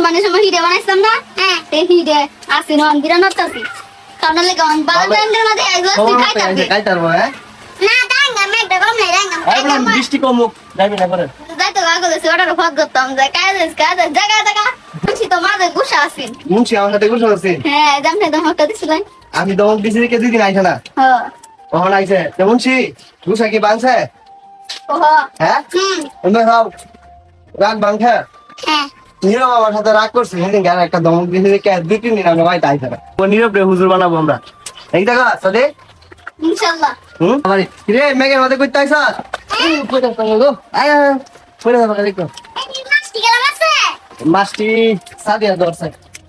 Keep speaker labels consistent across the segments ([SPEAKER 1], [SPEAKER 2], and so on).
[SPEAKER 1] মুসলমানের সময় হিডে বানাইছিলাম না এই হিডে আসি নন বিরানত আসি কারণ লাগে অন বালবেন্দ্র না দেয় এগুলো খাইতাছে
[SPEAKER 2] খাইতারবো হ্যাঁ
[SPEAKER 1] না দাঙ্গা মেঘটা কম নাই দাঙ্গা
[SPEAKER 2] আইবলাম দৃষ্টি কমুক যাবি না করে
[SPEAKER 1] যাইতো গাগলে সেটার ফাদ করতাম যে কাজ জায়গা বুঝি তো মাঝে গুছা আসি
[SPEAKER 2] মুন্সি আমার সাথে গুছ আছে
[SPEAKER 1] হ্যাঁ জামনে দমকটা দিছিলেন
[SPEAKER 2] আমি দমক দিছি কে দুই দিন আইছে না
[SPEAKER 1] হ্যাঁ
[SPEAKER 2] কখন আইছে তো মুন্সি গুছা কি বানছে
[SPEAKER 1] ওহো
[SPEAKER 2] হ্যাঁ তুমি খাও রাগ বাংখা
[SPEAKER 1] হ্যাঁ
[SPEAKER 2] নীরব আমার সাথে রাগ করছে সেদিন গান একটা দমক দিয়েছে কে দুই তিন দিন আমরা বাড়িতে আইছে না ও নীরব রে হুজুর বানাবো আমরা এই দেখা সাদে
[SPEAKER 1] ইনশাআল্লাহ
[SPEAKER 2] আমার রে মেঘের মধ্যে কইতে আইছ কইতে পারো গো আয় কইতে পারো দেখো
[SPEAKER 1] এই মাছটি গেলাম আছে
[SPEAKER 2] মাছটি সাদিয়া দরছে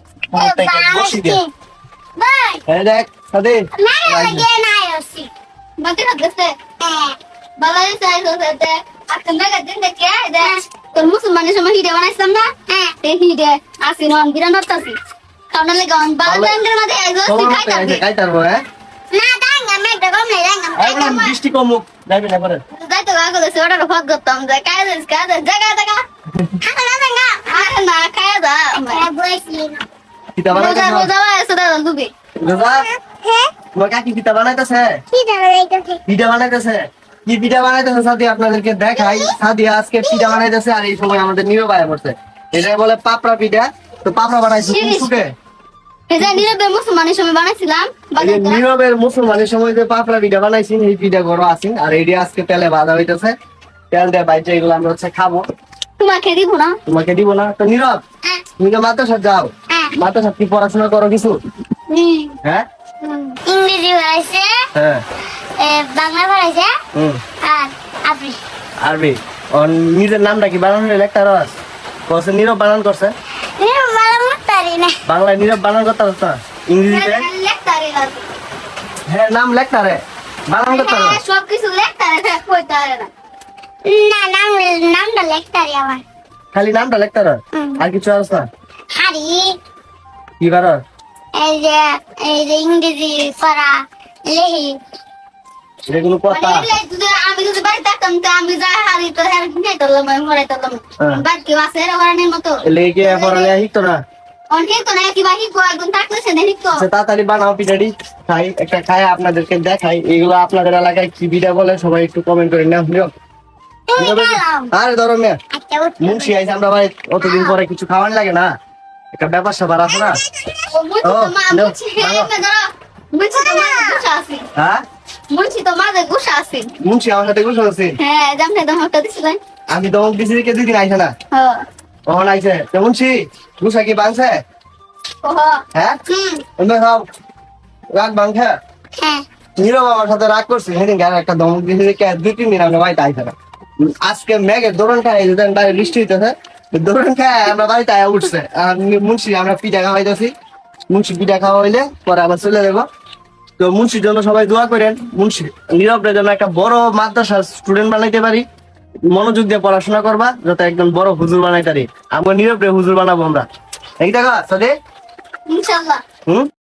[SPEAKER 2] বসি দিয়া
[SPEAKER 1] বাই
[SPEAKER 2] এই দেখ সাদে
[SPEAKER 1] না লাগে না আসি বাকি হচ্ছে বালাই সাই হচ্ছে আজকে মেঘা দিন দেখে দেখ তোর মুসলমানের সময় হিডে বানাইছিলাম না এই হিডে আসি নন বিরানত আসি কারণ লাগে অন বালবেন্দ্র না দেয় এগুলো খাইতাছে
[SPEAKER 2] খাইতারবো হ্যাঁ
[SPEAKER 1] না দাঙ্গা মেঘটা কম নাই দাঙ্গা
[SPEAKER 2] আইবলাম দৃষ্টি কমুক যাবি না করে
[SPEAKER 1] যাইতো গাগলে সেটার ফাদ করতাম যে কাজ জায়গা খানা দাঙ্গা না খায়া দা বইছিলি না
[SPEAKER 2] কিতা
[SPEAKER 1] রোজা
[SPEAKER 2] বানাইতাছ
[SPEAKER 1] রোজা আছে দাদা দুবে
[SPEAKER 2] রোজা
[SPEAKER 1] হ্যাঁ
[SPEAKER 2] তোমার কাকি পিঠা বানাইতেছে
[SPEAKER 1] কি দাদা এইটাছে
[SPEAKER 2] পিঠা বানাইতেছে কি পিঠা বানাইতেছে সাদি আপনাদেরকে দেখাই সাদি আজকে পিঠা বানাইতেছে আর এই সময় আমাদের নীরব আয়া পড়ছে এটা বলে পাপড়া পিঠা তো পাপড়া বানাইছে কোন সুখে
[SPEAKER 1] এই যে নীরবে মুসলমানের সময় বানাইছিলাম
[SPEAKER 2] এই যে নীরবের মুসলমানের সময় যে পাপড়া পিঠা বানাইছি এই পিঠা গরম আছেন আর এইটা আজকে তেলে ভাজা হইতেছে তেল দিয়ে বাইচে এগুলো আমরা হচ্ছে খাবো
[SPEAKER 1] তোমাকে দিব না
[SPEAKER 2] তোমাকে দিব না তো নীরব তুমি তো মাদ্রাসা যাও মাদ্রাসা কি পড়াশোনা করো কিছু হ্যাঁ
[SPEAKER 1] ইংরেজি পড়াইছে
[SPEAKER 2] হ্যাঁ
[SPEAKER 1] বাংলা পড়াইছে
[SPEAKER 2] হুম
[SPEAKER 1] আর আপনি
[SPEAKER 2] আরবি ওর নিজের নামটা কি বানানো লেখা রস করছে নীরব বানান করছে
[SPEAKER 1] ভালো মতারি না
[SPEAKER 2] বাংলায় নীরব বানান করতে পারছ না ইংরেজিতে
[SPEAKER 1] লেখতারি
[SPEAKER 2] হ্যাঁ নাম লেখতা রে বানান করতে পারো
[SPEAKER 1] সব কিছু লেখতারি কইতে পারে না না নামটা লেখতারি আমার
[SPEAKER 2] খালি নামটা লেখতা রে আর কিছু আরস না
[SPEAKER 1] হারি
[SPEAKER 2] কি পারো
[SPEAKER 1] এই যে ইংরেজি পড়া লেহি
[SPEAKER 2] এগুলো কথা
[SPEAKER 1] আমি যদি বাড়ি থাকতাম তো আমি যা হারি তো হ্যাঁ নিয়ে তোলাম আমি পড়াই তোলাম বাকি আছে এর ওরানের মতো
[SPEAKER 2] লেগে পড়ালে হিতো না
[SPEAKER 1] অনেক তো না কি বাকি একদম থাকলে সে দেখি তো
[SPEAKER 2] আচ্ছা তাড়াতাড়ি বানাও পিঠাটি খাই একটা খাই আপনাদেরকে দেখাই এগুলো আপনাদের এলাকায় কি পিঠা বলে সবাই একটু কমেন্ট করে নাও নীরব আরে ধরো মেয়ে মুন্সি আইছে আমরা ভাই অতদিন পরে কিছু খাওয়ান লাগে না একটা ব্যাপার স্যাপার আছে না হ্যাঁ
[SPEAKER 1] মুন্সি তো মাঝে গুছা আছে
[SPEAKER 2] মুন্সি আমার সাথে গুছ আছে
[SPEAKER 1] হ্যাঁ জামনে দমকটা দিছিলেন
[SPEAKER 2] আমি দমক দিছি কে দুই দিন আইছে না
[SPEAKER 1] হ্যাঁ
[SPEAKER 2] কখন আইছে তো মুন্সি গুছা কি বানছে
[SPEAKER 1] ওহো
[SPEAKER 2] হ্যাঁ তুমি খাও রাগ বাংখা
[SPEAKER 1] হ্যাঁ
[SPEAKER 2] নীরব আমার সাথে রাগ করছে সেদিন গান একটা দমক দিয়েছে কে দুই তিন দিন আমরা বাড়িতে আইছে না আজকে মেঘের দৌড়ান খাই যেদিন বাইরে বৃষ্টি হইতেছে দৌড়ান খাই আমরা বাড়িতে আয়া উঠছে আর মুন্সি আমরা পিঠা খাওয়াইতেছি মুন্সি পিঠা খাওয়া হইলে পরে আবার চলে যাবো তো মুন্সির জন্য সবাই দোয়া করেন মুন্সি নীরবের জন্য একটা বড় মাদ্রাসার স্টুডেন্ট বানাইতে পারি মনোযোগ দিয়ে পড়াশোনা করবা যাতে একদম বড় হুজুর বানাইতে পারি আমরা নীরব রে হুজুর বানাবো আমরা এই দেখা সাদে
[SPEAKER 1] ইনশাআল্লাহ
[SPEAKER 2] হুম